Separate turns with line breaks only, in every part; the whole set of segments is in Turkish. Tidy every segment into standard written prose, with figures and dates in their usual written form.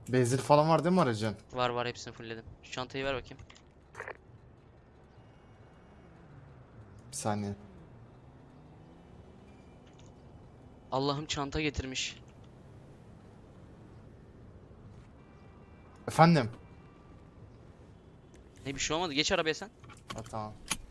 Benzin falan var değil mi aracın?
Var var, hepsini fullledim. Şu çantayı ver bakayım.
Bir saniye.
Allah'ım çanta getirmiş.
Efendim?
Ne, bir şey olmadı. Geç arabaya sen.
Ha, tamam.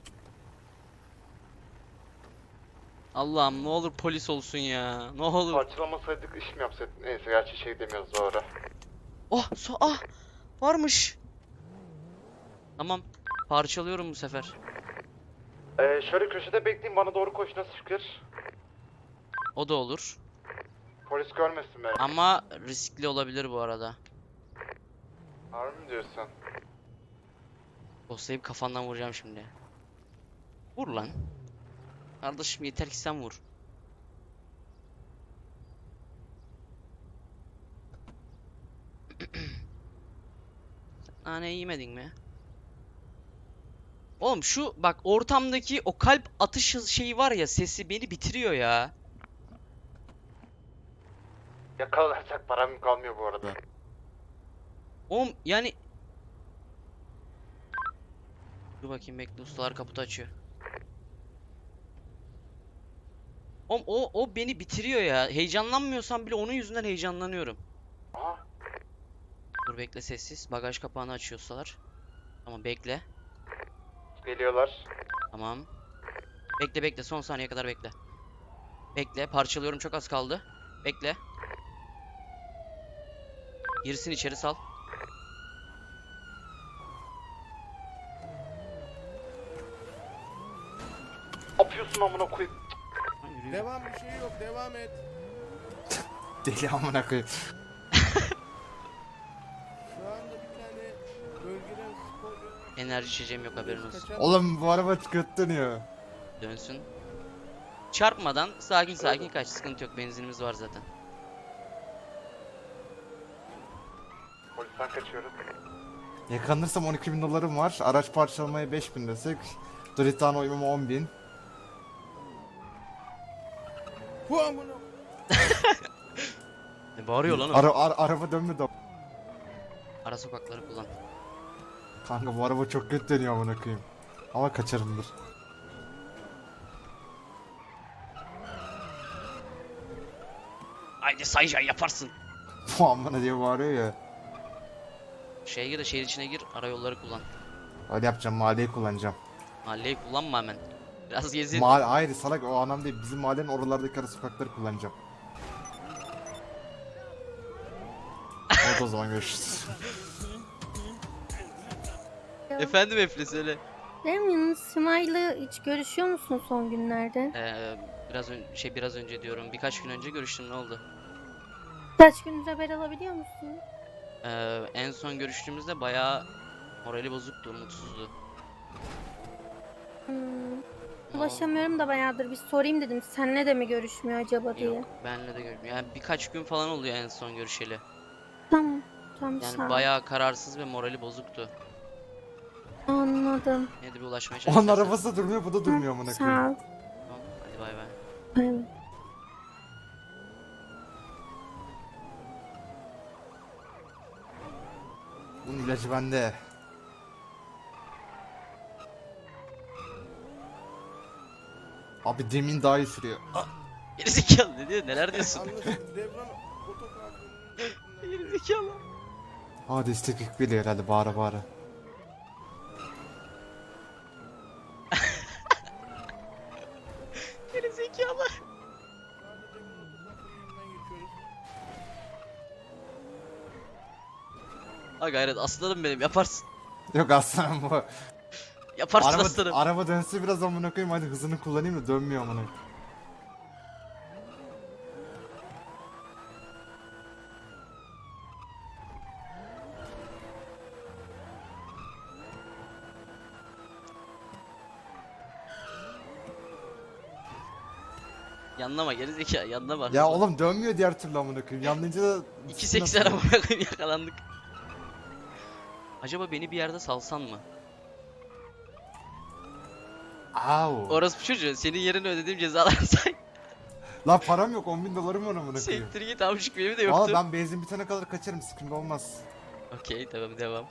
Allah'ım ne olur polis olsun ya. Ne olur.
Parçalamasaydık iş mi yapsaydık? Neyse gerçi şey demiyoruz doğru.
Oh varmış. Tamam. Parçalıyorum bu sefer.
Şöyle köşede bekleyin bana doğru koş nasıl fikir?
O da olur.
Polis görmesin beni.
Ama riskli olabilir bu arada.
Harbi mi diyorsun?
Dostlayıp kafandan vuracağım şimdi. Vur lan. Kardeşim yeter ki sen vur. Nane yemedin mi? Oğlum şu bak, ortamdaki o kalp atış şeyi var ya, sesi beni bitiriyor ya.
Yakalarsak param kalmıyor bu arada.
Oğlum yani. Dur bakayım, bekle, ustalar kaputu açıyor. Oğlum o beni bitiriyor ya. Heyecanlanmıyorsam bile onun yüzünden heyecanlanıyorum.
Aha.
Dur bekle, sessiz. Bagaj kapağını açıyor ustalar. Tamam bekle.
Geliyorlar.
Tamam. Bekle bekle, son saniye kadar bekle. Bekle, parçalıyorum, çok az kaldı. Bekle. Girsin içeri, sal.
Ne yapıyorsun amına koyayım?
Lan yürüyor.
Devam, bir şey yok, devam et.
Deli amına koyayım.
Şu anda bir tane bölgeden sporcu
Enerji içeceğim yok, haberin olsun.
kaçan
Oğlum bu araba kötü dönüyor.
Dönsün. Çarpmadan sakin sakin kaç, sıkıntı yok, benzinimiz var zaten.
Polisten kaçıyoruz. Yakalanırsam 12.000 dolarım var. Araç parçalamaya 5.000 desek. Dritano uymama 10.000.
Bu amına.
Ne bağırıyor lan o?
Araba dönmedi.
Ara sokakları kullan.
Kanka bu araba çok kötü dönüyor amına koyayım. Ama kaçarımdır.
Haydi Saycan yaparsın.
Bu amına diye bağırıyor ya.
Şeye gir de, şehir içine gir, ara yolları kullan.
Öyle yapacağım, mahalleyi kullanacağım.
Mahalleyi kullanma hemen. Biraz gezin.
Hayır salak, o anlam değil. Bizim mahallenin oralardaki ara sokakları kullanacağım. Oldu o zaman, görüşürüz.
Efendim Efli, söyle.
Demin Simay'la hiç görüşüyor musun son günlerde?
Biraz önce diyorum. Birkaç gün önce görüştüm, ne oldu?
Kaç gündür haber alabiliyor musun?
En son görüştüğümüzde bayağı morali bozuktu, mutsuzdu.
Ulaşamıyorum da bayağıdır, bir sorayım dedim. Seninle de mi görüşmüyor acaba diye.
Yok, benle de görüşmüyor. Yani birkaç gün falan oluyor en son görüşeli.
Tamam. Tamam,
Yani
sağ ol.
bayağı kararsız ve morali bozuktu.
Anladım.
Yine de bir ulaşmaya
Onun
çalışırsan.
arabası da durmuyor, bu da durmuyor amına
Sağ
koyayım.
ol.
Tamam, hadi bay bay.
Evet.
Bunun ilacı bende. Abi demin daha iyi sürüyor.
Gerizekalı, ne diyor? Neler diyorsun?
Anlaşıldı. Devran otoparkının
Gerizekalı.
Aa destek ekbili herhalde, bağıra bağıra.
Gerizekalı.
geçiyoruz.
Ha gayret, aslanım benim, yaparsın.
Yok aslanım bu.
Yaparsın aslanım.
Araba dönse biraz amına koyayım, hadi hızını kullanayım da dönmüyor amına.
Yanlama gerizekalı, yanlama.
Ya oğlum dönmüyor diğer türlü amına koyayım. Yanlayınca da
2.80 amına koyayım, yakalandık. Acaba beni bir yerde salsan mı?
Au.
Orası bu çocuğu, senin yerine ödediğim cezalar say.
Lan param yok, 10.000 dolarım var amına koyayım.
Siktir git amcık, benim de
Valla
yoktu.
ben benzin bitene kadar kaçarım, sıkıntı olmaz.
Okey tamam, devam.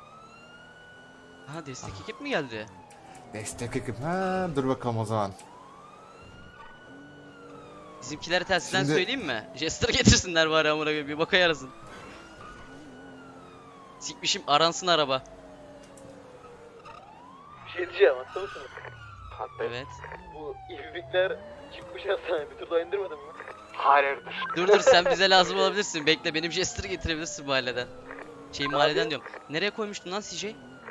Ha, destek ekip mi geldi?
Destek ekip. Ha, dur bakalım o zaman.
Bizimkilere telsizden
Şimdi-
söyleyeyim mi? Jester getirsinler bari amına koyayım, bir boka yarasın. Sikmişim, aransın araba.
Bir şey diyeceğim, hasta mısınız?
Evet.
Bu ibibikler çıkmış hastaneye, bir türlü indirmedin mi?
Dur dur, sen bize lazım olabilirsin. Bekle, benim Jester'ı getirebilirsin mahalleden. Mahalleden diyorum. Nereye koymuştun lan CJ?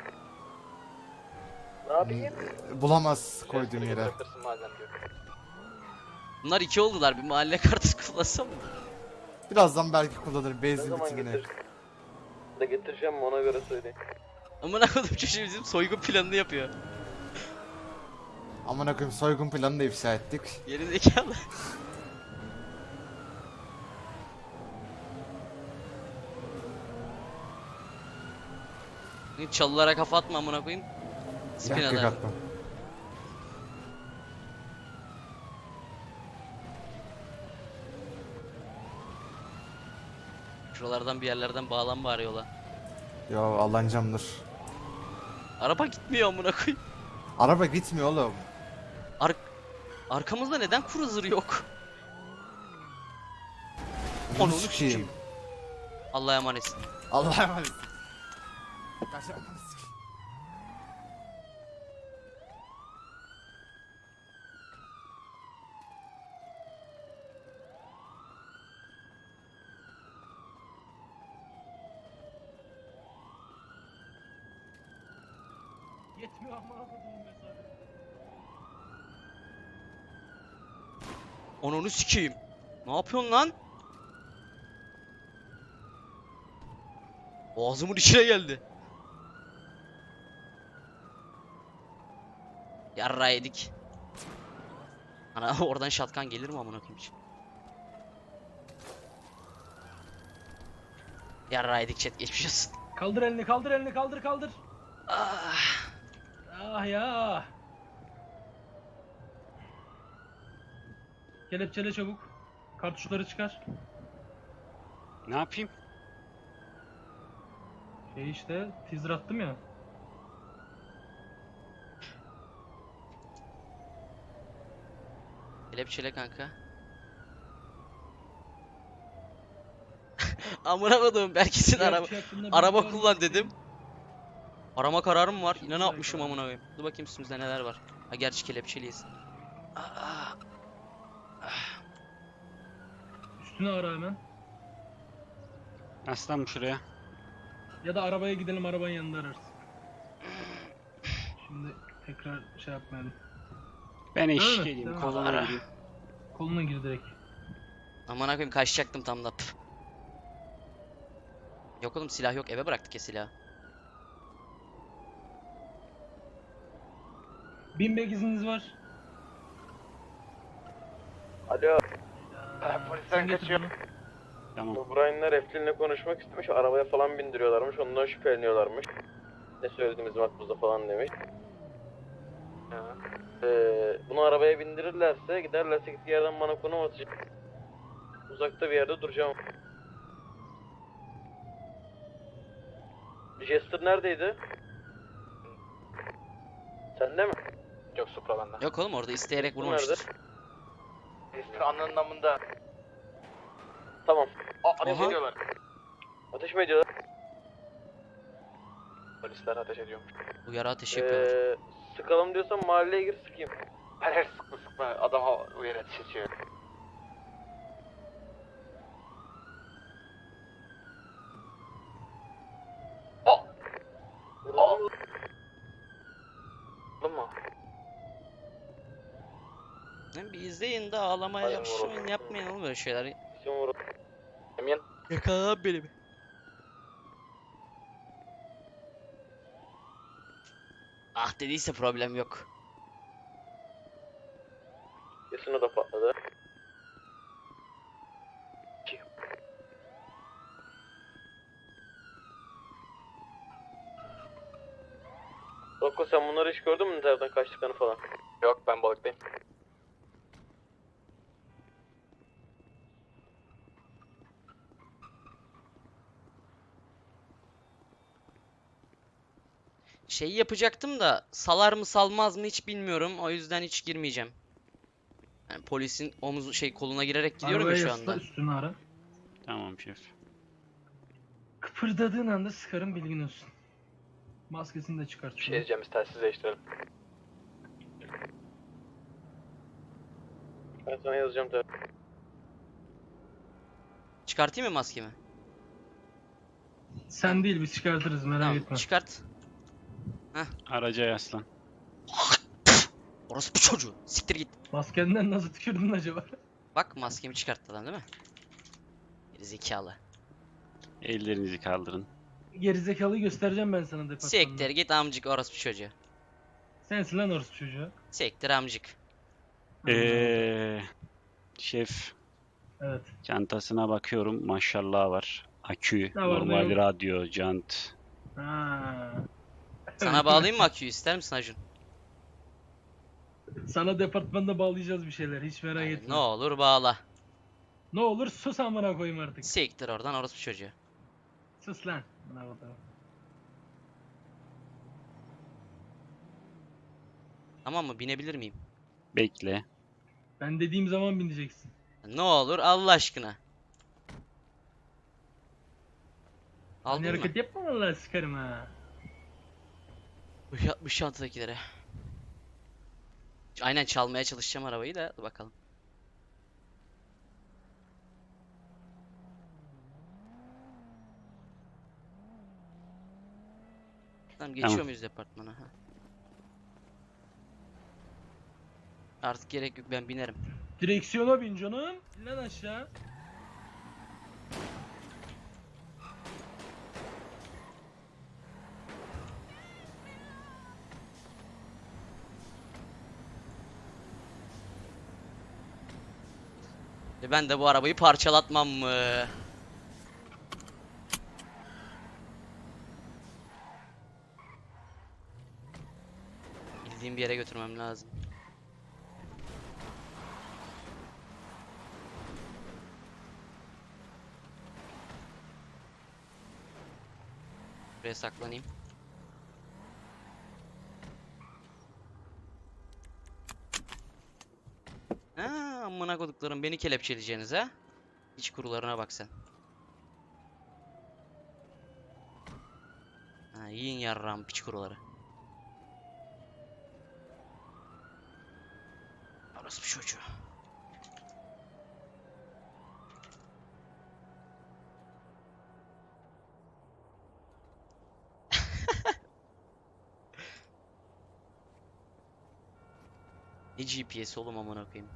Ne yapayım?
Bulamaz koyduğum yere.
Bırakırsın madem diyor.
Bunlar iki oldular. Bir mahalle kartı kullansam mı?
Birazdan belki kullanırım
Ne
benzin
zaman
bitimine.
getir? Da getireceğim mi ona göre söyleyeyim.
Amına koydum, çocuğu bizim soygun planını yapıyor.
Amına koyayım, soygun planını da ifşa ettik.
Geri zekalı. Çalılara kafa atma amına koyayım. Spin
Yakık
atar.
attım.
Şuralardan bir yerlerden bağlan bari yola.
Yo, Allah'ın
Araba gitmiyor amına koyayım.
Araba gitmiyor oğlum.
Arkamızda neden cruiser yok?
Onu
Onu
sikeyim.
sikeyim. Allah'a emanetsin.
Allah'a emanet. Kaçamaz.
Yetmiyor ama kodumun mesafe.
Onu sikeyim. Ne yapıyorsun lan? Ağzımın içine geldi. Yarra yedik. Ana oradan şatkan gelir mi amına koyayım hiç? Yarra yedik chat, geçmiş olsun.
Kaldır elini, kaldır elini, kaldır kaldır.
Ah,
Ah ya. Kelepçele çabuk. Kartuşları çıkar.
Ne yapayım?
Şey işte, teaser attım ya.
kelepçele kanka. Amına koydum, belki sen araba
Kelepçe hakkında
araba
bilgi var
kullan
mı?
dedim. Arama kararım var. Yine ne
Güzel
yapmışım
karar.
amına koyayım. Dur bakayım üstümüzde neler var. Ha, gerçi kelepçeliyiz. Ah,
Üstüne ara hemen.
Aslan şuraya.
Ya da arabaya gidelim, arabanın yanında ararız. Şimdi tekrar şey yapmayalım.
Ben eşlik
Evet,
edeyim.
evet.
Kolona
Ara.
gideyim.
Koluna gir direkt.
amına koyayım, kaçacaktım tam da. Püf. Yok oğlum, silah yok, eve bıraktık ya silahı.
Bin izniniz var.
Alo,
Sen kaçıyor.
Tamam.
bu Brian'lar Eflin'le konuşmak istemiş, arabaya falan bindiriyorlarmış, ondan şüpheleniyorlarmış. Ne söylediğimiz makbuzda falan demiş. Bunu arabaya bindirirlerse, giderlerse gittiği yerden bana konum atacak. Uzakta bir yerde duracağım. Jester neredeydi? Sende mi? Yok, Supra bende.
Yok oğlum, orada isteyerek
Nerede?
vurmamıştır.
Jester anının namında. Tamam. Ateş
Aha.
ediyorlar. Ateş mi ediyorlar? Polisler ateş ediyormuş.
Bu yara ateşi yapıyorlar.
Sıkalım diyorsan mahalleye gir sıkayım. Her sıkma sıkma, adam o yere ateş ediyor. Mu?
Bir izleyin de ağlamaya
Aynen,
yapışmayın,
vuralım.
yapmayın oğlum böyle şeyler.
Kim vurur? Emin.
Yakala beni bir. Ah dediyse problem yok.
Kesin o da patladı. Rocco, sen bunları hiç gördün mü internetten kaçtıklarını falan? Yok, ben balıktayım.
Şeyi yapacaktım da salar mı salmaz mı hiç bilmiyorum. O yüzden hiç girmeyeceğim. Yani polisin omuzu koluna girerek gidiyorum ya
Arabaya
şu
yasla,
anda.
üstünü ara.
Tamam şef.
Kıpırdadığın anda sıkarım, bilgin olsun. Maskesini de çıkart
Bir şey
şunu.
diyeceğim, biz telsiz değiştirelim. Ben sana yazacağım tabii.
Çıkartayım mı maskemi?
Sen değil, biz çıkartırız, merak
Tamam,
etme.
çıkart.
Araca yaslan.
Orası bu çocuğu. Siktir git.
Maskenden nasıl tükürdün acaba?
Bak maskemi çıkarttı adam değil mi? Geri zekalı.
Ellerinizi kaldırın.
Gerizekalıyı göstereceğim ben sana departmanda.
Siktir git amcık orası bu çocuğu.
Sensin lan orası çocuğu.
Siktir amcık.
Şef
Evet.
çantasına bakıyorum. Maşallah var. Akü,
Ne var, ne
normal
yok?
radyo, jant.
Ha.
Sana bağlayayım mı aküyü ister misin Acun?
Sana departmanda bağlayacağız bir şeyler, hiç merak
Yani
etme.
ne olur bağla.
Ne olur sus amına koyayım artık.
Siktir oradan orası bu çocuğu.
Sus lan. Buna bakalım.
Tamam mı? Binebilir miyim?
Bekle.
Ben dediğim zaman bineceksin.
Ne olur Allah aşkına.
Hani
Aldın mı?
hareket yapma vallahi sıkarım ha.
Bu şantadakilere. Aynen çalmaya çalışacağım arabayı da dur bakalım. Tamam geçiyor
Tamam.
muyuz departmana? Ha. Artık gerek yok ben binerim.
Direksiyona bin canım. İn lan aşağı.
Ben de bu arabayı parçalatmam mı? Bildiğim bir yere götürmem lazım. Buraya saklanayım. Ha, amına koduklarım beni kelepçeleyeceğiniz ha? İç kurularına bak sen. Ha, yiyin yarram piç kuruları. Orası bir çocuğu. Ne GPS oğlum amına koyayım.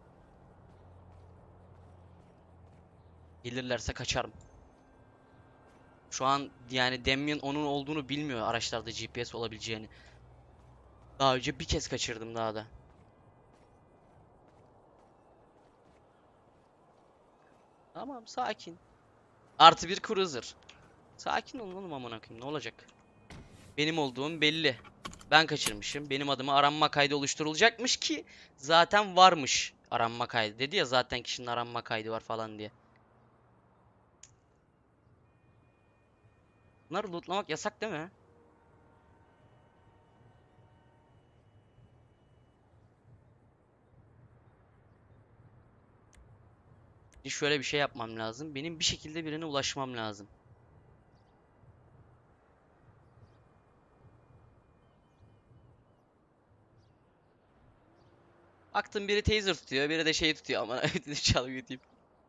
Gelirlerse kaçarım. Şu an yani Damien onun olduğunu bilmiyor araçlarda GPS olabileceğini. Daha önce bir kez kaçırdım daha da. Tamam sakin. Artı bir cruiser. Sakin olun oğlum amına koyayım ne olacak? Benim olduğum belli. Ben kaçırmışım. Benim adıma aranma kaydı oluşturulacakmış ki zaten varmış aranma kaydı. Dedi ya zaten kişinin aranma kaydı var falan diye. Bunları lootlamak yasak değil mi? Şöyle bir şey yapmam lazım. Benim bir şekilde birine ulaşmam lazım. Baktım biri taser tutuyor, biri de şey tutuyor ama dedim çalıp götüreyim.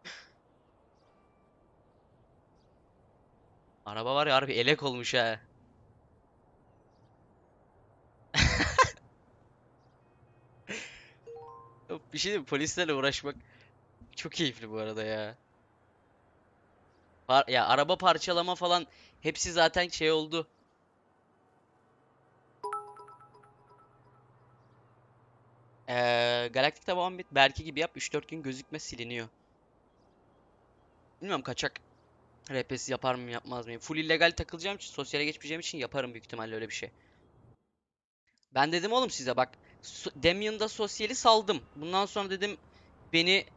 Araba var ya harbi elek olmuş ha. Yok, bir şey diyeyim mi? Polislerle uğraşmak çok keyifli bu arada ya. Ya araba parçalama falan hepsi zaten şey oldu. Galaktik'te Muhammed Berke gibi yap 3-4 gün gözükme siliniyor. Bilmiyorum kaçak RP'si yapar mıyım yapmaz mıyım. Full illegal takılacağım için sosyale geçmeyeceğim için yaparım büyük ihtimalle öyle bir şey. Ben dedim oğlum size bak Damien'da sosyali saldım. Bundan sonra dedim beni